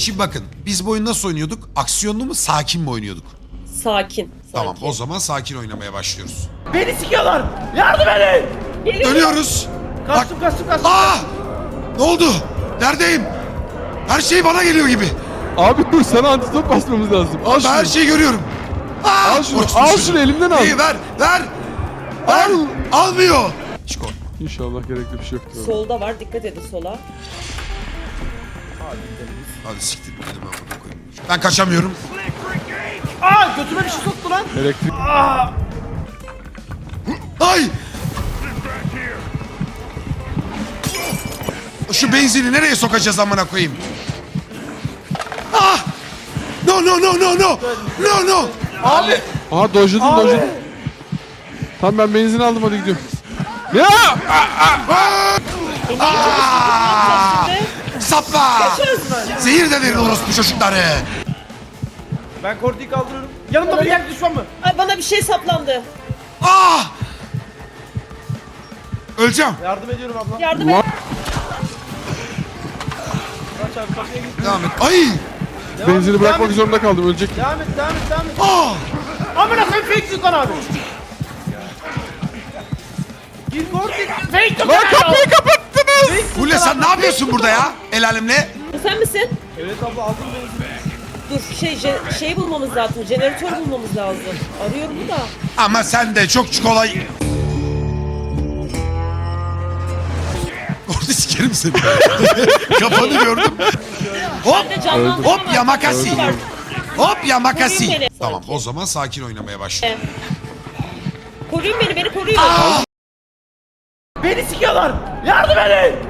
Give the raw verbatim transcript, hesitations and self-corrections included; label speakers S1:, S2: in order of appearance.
S1: Şimdi bakın biz bu oyunu nasıl oynuyorduk? Aksiyonlu mu sakin mi oynuyorduk?
S2: Sakin.
S1: Tamam
S2: sakin.
S1: o zaman sakin oynamaya başlıyoruz.
S3: Beni sikiyorlar. Yardım edin.
S2: Geliyorum.
S1: Dönüyoruz.
S3: Kaçtım kaçtım kaçtım.
S1: Aa! Ne oldu? Neredeyim? Her şey bana geliyor gibi.
S4: Abi dur, sana antidot basmamız lazım. Al
S1: Ben
S4: şunu.
S1: her şeyi görüyorum. Aa!
S4: Al şunu,
S1: Orospu
S4: al
S1: çocuğu.
S4: şunu, elimden al.
S1: İyi ver, ver. Ver.
S4: Al.
S1: Almıyor. Çiko.
S4: İnşallah gerekli bir şey yoktur.
S2: Solda var. Dikkat edin sola.
S1: Hadi siktir gidelim ben burada koyayım. Ben kaçamıyorum.
S3: Aa götüme bir şey soktu lan.
S4: Elektrik.
S1: Ay! Şu benzini nereye sokacağız amına koyayım? Ah! No no no no no! No no!
S3: Abi.
S4: Aha dojladım
S3: Abi.
S4: dojladım. Tamam ben benzin aldım, hadi gidiyorum. Ya!
S2: E, niye
S1: Aa!
S2: şimdi?
S1: Sapla! Zehir de verin orospu çocukları.
S3: Ben Kordi'yi kaldırıyorum. Yanımda bir yer düşman mı?
S2: Ay bana bir şey saplandı.
S1: Ah! Öleceğim.
S3: Yardım ediyorum abla.
S2: Yardım
S4: Ulan
S2: et.
S3: Kaç abi kapıya git.
S1: Devam et. Ay!
S3: Devam
S4: benzini
S3: et,
S4: bırakmak
S3: devam et.
S4: zorunda kaldım, ölecek.
S3: Devam et devam et devam et.
S1: Ah!
S3: Amına koyayım fake Sultan abi. Gir Kordi. Fake Sultan.
S4: Lan kapıyı kapattınız!
S1: Fule sen ne yapıyorsun burada ya? El alemle.
S2: Bu sen misin?
S3: Evet abla aldım benzini.
S2: Dur şey je- şey bulmamız lazım. Jeneratör bulmamız lazım. Arıyorum da.
S1: Ama sen de çok kolay. Orada sikerim seni. Kafanı gördüm. Hop!
S2: Ben de canlandırma
S1: Hop
S2: var.
S1: ya makasi.
S2: Var.
S1: Hop ya makasi.
S2: Koruyun beni.
S1: Tamam o zaman sakin oynamaya başla.
S2: Koruyun beni, beni koruyun.
S3: Beni sikiyorlar. Yardım edin.